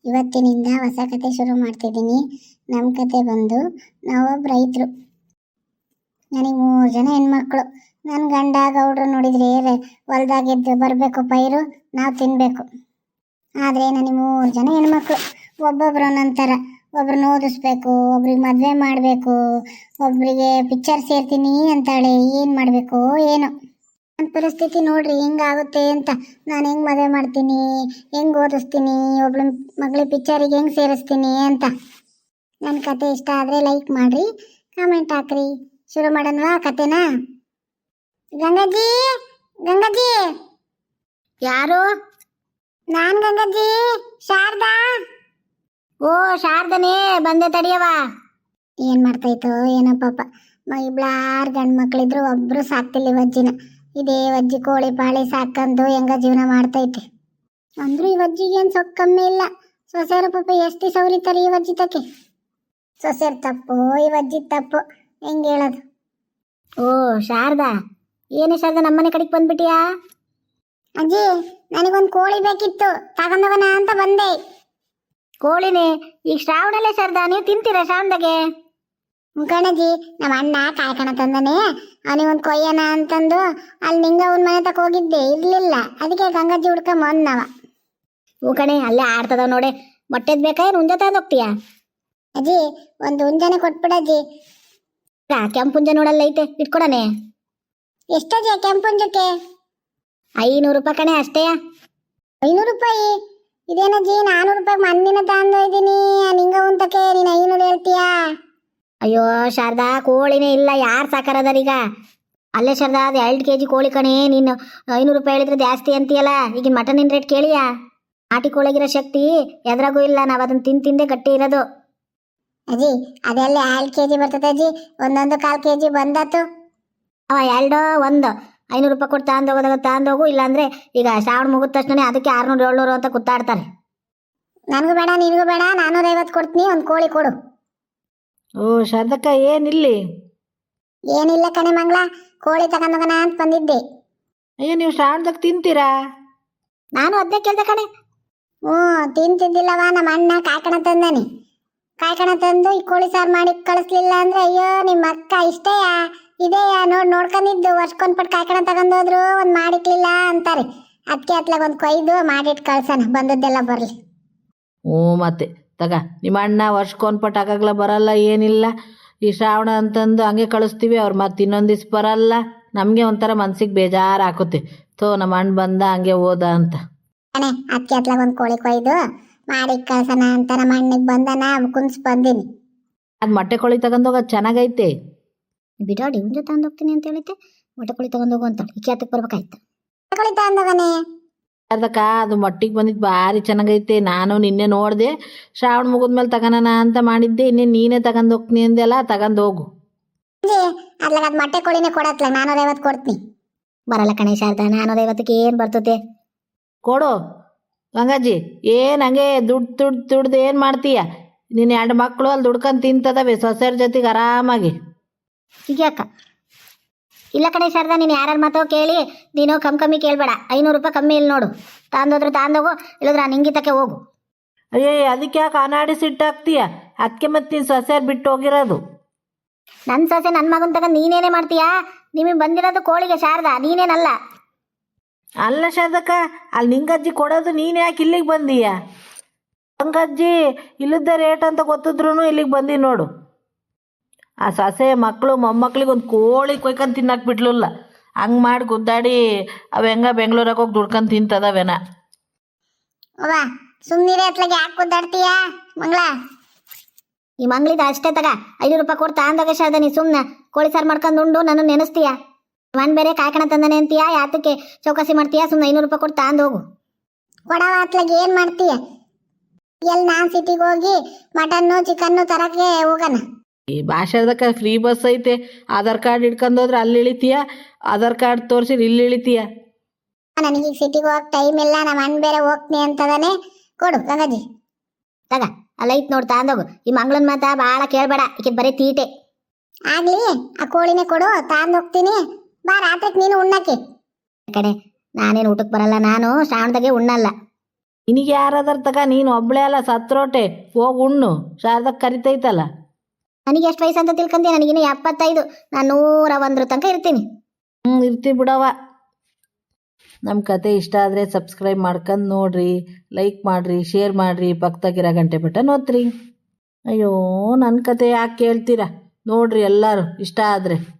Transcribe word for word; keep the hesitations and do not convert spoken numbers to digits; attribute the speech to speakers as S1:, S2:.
S1: ಇವತ್ತಿನಿಂದ ಹೊಸ ಕತೆ ಶುರು ಮಾಡ್ತಿದ್ದೀನಿ. ನಮ್ಮ ಕತೆ ಬಂದು ನಾವೊಬ್ಬ ರೈತರು. ನನಗೆ ಮೂರು ಜನ ಹೆಣ್ಮಕ್ಳು. ನನ್ನ ಗಂಡ ಗೌಡ್ರು ನೋಡಿದ್ರೆ ಹೊಲ್ದಾಗೆದ್ದು ಬರಬೇಕು ಪೈರು, ನಾವು ತಿನ್ನಬೇಕು. ಆದರೆ ನನಗೆ ಮೂರು ಜನ ಹೆಣ್ಮಕ್ಳು. ಒಬ್ಬೊಬ್ರು ಒಂದೊಂಥರ. ಒಬ್ರನ್ನ ಓದಿಸ್ಬೇಕು, ಒಬ್ರಿಗೆ ಮದುವೆ ಮಾಡಬೇಕು, ಒಬ್ಬರಿಗೆ ಪಿಕ್ಚರ್ ಸೇರ್ತೀನಿ ಅಂತಾಳೆ. ಏನು ಮಾಡಬೇಕು ಏನೋ. ನನ್ನ ಪರಿಸ್ಥಿತಿ ನೋಡ್ರಿ ಹೆಂಗಾಗುತ್ತೆ ಅಂತ. ನಾನು ಹೆಂಗೆ ಮದುವೆ ಮಾಡ್ತೀನಿ, ಹೆಂಗೆ ಓದಿಸ್ತೀನಿ, ಒಬ್ಳ ಮಗಳಿಗೆ ಪಿಕ್ಚರಿಗೆ ಹೆಂಗೆ ಸೇರಿಸ್ತೀನಿ ಅಂತ. ನನ್ನ ಕತೆ ಇಷ್ಟ ಆದರೆ ಲೈಕ್ ಮಾಡಿರಿ, ಕಾಮೆಂಟ್ ಹಾಕ್ರಿ. ಶುರು ಮಾಡೋಣವಾ ಕತೆನಾ? ಗಂಗಾಜಿ, ಗಂಗಾಜಿ.
S2: ಯಾರು?
S1: ನಾನು ಗಂಗಾಜಿ, ಶಾರದಾ.
S2: ಓ ಶಾರದನೇ, ಬಂದೆ ತಡಿಯವ.
S1: ಏನು ಮಾಡ್ತಾಯಿತ್ತೋ ಏನೋ ಪಾಪ. ಇಬ್ಳಾರು ಗಂಡು ಮಕ್ಕಳಿದ್ರು, ಒಬ್ಬರು ಸಾಕ್ತಿಲ್ಲ ಈ ವಜ್ಜಿನ. ಇದೇ ವಜ್ಜಿ ಕೋಳಿ ಪಾಳಿ ಸಾಕಂದು ಹೆಂಗ ಜೀವನ ಮಾಡ್ತೈತೆ. ಅಂದ್ರೂ ಈ ವಜ್ಜಿಗೆ ಏನು ಸೊಕ್ಕ ಕಮ್ಮಿ ಇಲ್ಲ. ಸೊಸೆಯರು ಪಾಪ ಎಷ್ಟು ಸೌರಿತಾರೆ ಈ ವಜ್ಜಿ ತಕ್ಕೆ. ಸೊಸೆಯರು ತಪ್ಪು, ಈ ವಜ್ಜಿ ತಪ್ಪು, ಹೆಂಗೆ ಹೇಳೋದು?
S2: ಓ ಶಾರದಾ, ಏನು ಶಾರದಾ ನಮ್ಮನೆ ಕಡೆಗೆ ಬಂದ್ಬಿಟ್ಟಿಯಾ?
S1: ಅಜ್ಜಿ, ನನಗೊಂದು ಕೋಳಿ ಬೇಕಿತ್ತು, ತಗೊಂಡವನ ಅಂತ ಬಂದೆ.
S2: ಕೋಳಿನೇ? ಈಗ ಶ್ರಾವಣಲ್ಲೇ ಶಾರದಾ, ನೀವು ತಿಂತೀರಾ ಶ್ರಾವಣದಾಗೆ?
S1: ಮುಖಣಜ್ಜಿ, ನಮ್ಮ ಅಣ್ಣ ಕಾಯ್ಕಣ ತಂದನೆ, ಅವನಿಗೊಂದು ಕೊಯ್ಯನ ಅಂತಂದು ಅಲ್ಲಿ ನಿಂಗ ಅವನ ಮನೆ ತಕ ಹೋಗಿದ್ದೆ, ಇರ್ಲಿಲ್ಲ. ಅದಕ್ಕೆ ಗಂಗಾಜಿ ಹುಡ್ಕೊಂಡ್ ಬಂದವ.
S2: ಹೂ ಕಣೆ, ಅಲ್ಲೇ ಆಡ್ತದವ್ ನೋಡೆ. ಮೊಟ್ಟೆದ್ ಬೇಕಾ ಏನು ಹುಂಜ ತಗೊಂಡು ಹೋಗ್ತೀಯಾ?
S1: ಅಜ್ಜಿ, ಒಂದು ಹುಂಜನೆ ಕೊಟ್ಬಿಡಜ್ಜಿ.
S2: ಕೆಂಪುಂಜ ನೋಡಲ್ಲ ಐತೆ, ಇಟ್ಕೊಡನೆ.
S1: ಎಷ್ಟಜ್ಜಿ ಕೆಂಪುಂಜಕ್ಕೆ?
S2: ಐನೂರು ರೂಪಾಯಿ ಕಣೆ, ಅಷ್ಟೇಯಾ?
S1: ಐನೂರು ರೂಪಾಯಿ? ಇದೇನಜ್ಜಿ, ನಾನೂರು ರೂಪಾಯಿ ಮಂದಿನ ತಗೊಂಡು ಇದ್ದೀನಿ, ನಿಂಗ ಉಂತಕ್ಕೆ ನೀನು ಐನೂರು ಹೇಳ್ತೀಯಾ?
S2: ಅಯ್ಯೋ ಶಾರದಾ, ಕೋಳಿನೇ ಇಲ್ಲ, ಯಾರು ಸಾಕಾರದಾರೀಗ? ಅಲ್ಲೇ ಶಾರದಾ, ಅದು ಎರಡು ಕೆ ಜಿ ಕೋಳಿ ಕಣೆ. ನೀನು ಐನೂರು ರೂಪಾಯಿ ಹೇಳಿದ್ರೆ ಜಾಸ್ತಿ ಅಂತೀಯಲ್ಲ. ಈಗಿನ ಮಟನಿನ ರೇಟ್ ಕೇಳಿಯಾ? ನಾಟಿ ಕೋಳಿಗಿರೋ ಶಕ್ತಿ ಎದ್ರಾಗೂ ಇಲ್ಲ. ನಾವು ಅದನ್ನು ತಿಂದು ತಿಂದೇ ಗಟ್ಟಿ ಇರೋದು.
S1: ಅಜ್ಜಿ, ಅದೆಲ್ಲ ಎರಡು ಕೆ ಜಿ ಬರ್ತದೆ ಅಜ್ಜಿ, ಒಂದೊಂದು ಕಾಲು ಕೆ ಜಿ ಬಂದಾತು.
S2: ಅವ ಎರಡೋ ಒಂದು ಐನೂರು ರೂಪಾಯಿ ಕೊಟ್ಟು ತಗೊಂಡೋಗೋದಾಗ ತಗೊಂಡೋಗು. ಇಲ್ಲಾಂದರೆ ಈಗ ಶ್ರಾವಣ ಮುಗಿದ ತಕ್ಷಣ ಅದಕ್ಕೆ ಆರುನೂರು ಏಳ್ನೂರು ಅಂತ ಕುತ್ತಾಡ್ತಾರೆ.
S1: ನನಗೂ ಬೇಡ, ನಿನಗೂ ಬೇಡ, ನಾನ್ನೂರೈವತ್ತು ಕೊಡ್ತೀನಿ, ಒಂದು ಕೋಳಿ ಕೊಡು.
S3: ಓ ಶಾರದಕ್ಕ, ಏನಿಲ್ಲಿ?
S1: ಏನಿಲ್ಲ ಕಣೆ ಮಂಗಳ, ಕೋಳಿ ತಗೊಂಡೋಗೋಣ ಅಂತ ಬಂದಿದ್ದೆ.
S3: ಅಯ್ಯೋ, ನೀವು ಶ್ರಾವಣದಾಗ ತಿಂತೀರಾ?
S2: ನಾನು ಅದನ್ನೇ ಕೇಳ್ದೆ ಕಣೆ.
S1: ಹ್ಞೂ, ತಿಂತಿದ್ದಿಲ್ಲವ. ನಮ್ಮ ಅಣ್ಣ ಕಾಯ್ಕಣ ತಂದಾನೆ. ಕಾಯ್ಕಣ ತಂದು ಈ ಕೋಳಿ ಸಾರು ಮಾಡಿ ಕಳಿಸ್ಲಿಲ್ಲ ಅಂದ್ರೆ, ಅಯ್ಯೋ ನಿಮ್ಮ ಅಕ್ಕ ಇಷ್ಟೇಯಾ ಇದೆಯಾ ನೋಡಿ ನೋಡ್ಕೊಂಡಿದ್ದು ವರ್ಷಕೊಂದ್ಪಟ್ಟು ಕಾಯ್ಕಣ ತಗೊಂಡೋದ್ರು, ಒಂದು ಮಾಡಿಕ್ಲಿಲ್ಲ ಅಂತಾರೆ. ಅದಕ್ಕೆ ಅತ್ಲಾಗ ಒಂದು ಕೊಯ್ದು ಮಾಡಿಟ್ಟು ಕಳ್ಸೋಣ, ಬಂದದ್ದೆಲ್ಲ ಬರಲಿ.
S3: ಹ್ಞೂ, ಮತ್ತೆ ತಗ, ನಿಮ್ಮ ಅಣ್ಣ ವರ್ಷಕ್ಕೊಂದ್ಪಟ್ಟು ಆಗಾಗ್ಲ ಬರಲ್ಲ, ಏನಿಲ್ಲ. ಈ ಶ್ರಾವಣ ಅಂತಂದು ಹಂಗೆ ಕಳಿಸ್ತೀವಿ, ಅವ್ರು ಮತ್ತೆ ಇನ್ನೊಂದು ದಿವ್ಸ ಬರಲ್ಲ. ನಮಗೆ ಒಂಥರ ಮನ್ಸಿಗೆ ಬೇಜಾರು ಹಾಕುತ್ತೆ. ಥೋ, ನಮ್ಮ ಅಣ್ಣ ಬಂದ ಹಂಗೆ ಹೋದ ಅಂತ.
S1: ಅಣ್ಣೆ, ಅದಕ್ಕೆ ಅತ್ಲಾಗ ಒಂದು ಕೋಳಿ ಕೊಯ್ದು ಮಾಡಿ ಕಳ್ಸೋಣ ಅಂತ ನಮ್ಮ ಅಣ್ಣಿಗೆ ಬಂದನ ಕುನ್ಸ್ ಬಂದೀನಿ.
S3: ಅದು ಮೊಟ್ಟೆ ಕೋಳಿ ತಗೊಂಡೋಗೋದು ಚೆನ್ನಾಗೈತೆ.
S2: ಬಿಡಾಡಿ, ಹುಂಜ ತಗೊಂಡು ಹೋಗ್ತೀನಿ ಅಂತ ಹೇಳಿದ್ದೆ, ಮೊಟ್ಟೆ ಕೋಳಿ ತಗೊಂಡೋಗು ಅಂತ. ಈಕೆ ಹತ್ತಕ್ಕೆ ಬರ್ಬೇಕಾಯ್ತು.
S1: ಕೋಳಿ ತಗೊಂಡೋಗನೆ
S3: ಅದಕ್ಕ ಅದು ಮೊಟ್ಟಿಗೆ ಬಂದಿದ್ದು ಭಾರಿ ಚೆನ್ನಾಗೈತೆ. ನಾನು ನಿನ್ನೆ ನೋಡಿದೆ, ಶ್ರಾವಣ ಮುಗಿದ್ಮೇಲೆ ತಗೋಣ ಅಂತ ಮಾಡಿದ್ದೆ. ಇನ್ನೇ ನೀನೇ ತಗೊಂಡು ಹೋಗ್ತೀನಿ ಅಂದೆಲ್ಲ, ತಗೊಂಡು ಹೋಗು.
S1: ಅದ್ಲಾಗ ಅದು ಮೊಟ್ಟೆ ಕೋಳಿನೇ ಕೊಡತ್ಲಾಗ ನಾನ್ನೂರೈವತ್ತು ಕೊಡ್ತೀನಿ.
S2: ಬರಲ್ಲ ಕಣೆ ಶಾರದಾ, ನಾನ್ನೂರೈವತ್ತಕ್ಕೆ ಏನು ಬರ್ತದೆ?
S3: ಕೊಡು ಗಂಗಾಜಿ. ಏನು ಹಂಗೆ ದುಡ್ಡು ದುಡ್ಡು ದುಡ್ದು ಏನು ಮಾಡ್ತೀಯ? ನಿನ್ನ ಎರಡು ಮಕ್ಕಳು ಅಲ್ಲಿ ದುಡ್ಕೊಂಡು ತಿಂತದವೆ ಸೊಸೆಯರ ಜೊತೆಗೆ ಆರಾಮಾಗಿ.
S2: ಹೀಗೆ ಅಕ್ಕ. ಇಲ್ಲ ಕಣೆ ಶಾರದಾ, ನೀನು ಯಾರ್ಯಾರ ಮಾತೋ ಕೇಳಿ ನೀನು ಕಮ್ಮಿ ಕಮ್ಮಿ ಕೇಳಬೇಡ. ಐನೂರು ರೂಪಾಯಿ ಕಮ್ಮಿ ಇಲ್ಲಿ ನೋಡು. ತಾಂದೋದ್ರೆ ತಾಂದೋಗು, ಇಲ್ಲದ್ರೆ ನಾನು ಹಿಂಗಿತಕ್ಕೆ ಹೋಗು.
S3: ಅಯ್ಯೋ, ಅದಕ್ಕೆ ಯಾಕೆ ಅನಾಡಿ ಸಿಟ್ಟಾಗ್ತೀಯ? ಅದಕ್ಕೆ ಮತ್ತೆ ನೀನು ಸೊಸೆಯರು ಬಿಟ್ಟು ಹೋಗಿರೋದು.
S2: ನನ್ನ ಸೊಸೆ ನನ್ನ ಮಗನ ತಗೊಂಡು ನೀನೇನೇ ಮಾಡ್ತೀಯಾ? ನಿಮಗೆ ಬಂದಿರೋದು ಕೋಳಿಗೆ ಶಾರದಾ, ನೀನೇನಲ್ಲ.
S3: ಅಲ್ಲ ಶಾರದಕ್ಕ, ಅಲ್ಲಿ ನಿಂಗಜ್ಜಿ ಕೊಡೋದು ನೀನು ಯಾಕೆ ಇಲ್ಲಿಗೆ ಬಂದೀಯ? ಗಂಗಜ್ಜಿ ಇಲ್ಲದ ರೇಟ್ ಅಂತ ಗೊತ್ತಿದ್ರು ಇಲ್ಲಿಗೆ ಬಂದಿ ನೋಡು. ಆ ಸೊಸೆ ಮಕ್ಕಳು ಮೊಮ್ಮಕ್ಳಿಗೆ ಒಂದು ಕೋಳಿ ಕೊಯ್ಕೊಂಡು ತಿನ್ನಕ್ಕೆ ಬಿಡ್ಲಿಲ್ಲ. ಹಂಗೆ ಮಾಡಿ ಗುದ್ದಾಡಿ ಅವು ಹೆಂಗ ಬೆಂಗಳೂರಾಗ ಹೋಗಿ ದುಡ್ಕೊಂಡು ತಿಂತದವೇನ.
S1: ಅವ್ವ ಸುಮ್ಮನಿರೇ, ಅತ್ಲಾಗ ಯಾಕೆ ಗುದ್ದಾಡ್ತೀಯಾ ಮಂಗಳ?
S2: ಈ ಮಂಗ್ಳಿದ ಅಷ್ಟೇ ತಗ. ಐನೂರು ರೂಪಾಯಿ ಕೊಡ್ತಾ ಅಂದಾಗ ಶಾರದಾ, ನೀ ಸುಮ್ಮನೆ ಕೋಳಿ ಸಾರು ಮಾಡ್ಕೊಂಡು ಉಂಡು ನಾನು ನೆನೆಸ್ತೀಯಾ? ಮನ್ ಬೇರೆ ಕಾಯ್ಕಣ ತಂದಾನೆ ಅಂತೀಯಾ? ಯಾತಕ್ಕೆ ಚೌಕಾಸಿ ಮಾಡ್ತೀಯಾ? ಸುಮ್ಮನೆ ಐನೂರು ರೂಪಾಯಿ ಕೊಟ್ಟು ತಾಂದು ಹೋಗು.
S1: ಕೊಡವ ಅತ್ಲಾಗ ಏನು ಮಾಡ್ತೀಯ? ಎಲ್ಲಿ ನಾನು ಸಿಟಿಗೆ ಹೋಗಿ ಮಟನ್ನು ಚಿಕನ್ನು ತರಕ್ಕೆ ಹೋಗೋಣ.
S3: ಈ ಭಾಷಾದಕ್ಕ ಫ್ರೀ ಬಸ್ ಐತೆ. ಆಧಾರ್ ಕಾರ್ಡ್ ಹಿಡ್ಕೊಂಡು ಹೋದ್ರೆ ಅಲ್ಲಿ ಇಳಿತೀಯ, ಆಧಾರ್ ಕಾರ್ಡ್ ತೋರಿಸಿದ್ರೆ ಇಲ್ಲಿ ಇಳಿತೀಯ.
S1: ನನಗೀಗ ಸಿಟಿಗೆ ಹೋಗಕ್ಕೆ ಟೈಮ್ ಇಲ್ಲ, ನಮ್ಮ ಅಣ್ಣ ಬೇರೆ ಹೋಗ್ತೀನಿ ಅಂತದಾನೆ. ಕೊಡು ಗಂಗಾಜಿ.
S2: ತಗ, ಅಲ್ಲ ಐತ್ ನೋಡಿ ತಾಂದೋಗು. ಈ ಮಂಗಳನ್ ಮಾತಾ ಭಾಳ ಕೇಳಬೇಡ, ಈಕೆ ಬರೀ ತೀಟೆ.
S1: ಆಗ್ಲಿ, ಆ ಕೋಳಿನೇ ಕೊಡು, ತಾಂದು ಹೋಗ್ತೀನಿ. ಬಾ, ರಾತ್ರಿಗೆ ನೀನು ಉಣ್ಣಕ್ಕೆ.
S2: ಕಡೆ ನಾನೇನು ಊಟಕ್ಕೆ ಬರಲ್ಲ, ನಾನು ಶ್ರಾವಣದಾಗೆ ಉಣ್ಣಲ್ಲ.
S3: ನಿನಗೆ ಯಾರಾದ್ರ ತಗ ನೀನು ಒಬ್ಳೆ ಅಲ್ಲ ಸತ್ರೋಟೆ ಹೋಗಿ ಉಣ್ಣು ಶಾರದಕ್ಕೆ ಕರಿತೈತಲ್ಲ.
S2: ನನಗೆ ಎಷ್ಟು ವಯಸ್ಸು ಅಂತ ತಿಳ್ಕೊಂಡೆ, ನನಗಿನ್ನ ಎಪ್ಪತ್ತೈದು, ನಾನು ನೂರ ಒಂದ್ರ ತನಕ ಇರ್ತೀನಿ.
S3: ಹ್ಞೂ ಇರ್ತಿ ಬಿಡವ. ನಮ್ಮ ಕತೆ ಇಷ್ಟ ಆದರೆ ಸಬ್ಸ್ಕ್ರೈಬ್ ಮಾಡ್ಕೊಂಡು ನೋಡ್ರಿ, ಲೈಕ್ ಮಾಡಿರಿ, ಶೇರ್ ಮಾಡಿರಿ, ಪಕ್ಕದಾಗಿರೋ ಗಂಟೆ ಬಟನ್ ಒತ್ತಿರಿ. ಅಯ್ಯೋ ನನ್ನ ಕತೆ ಯಾಕೆ ಕೇಳ್ತೀರಾ, ನೋಡ್ರಿ ಎಲ್ಲರೂ ಇಷ್ಟ ಆದರೆ.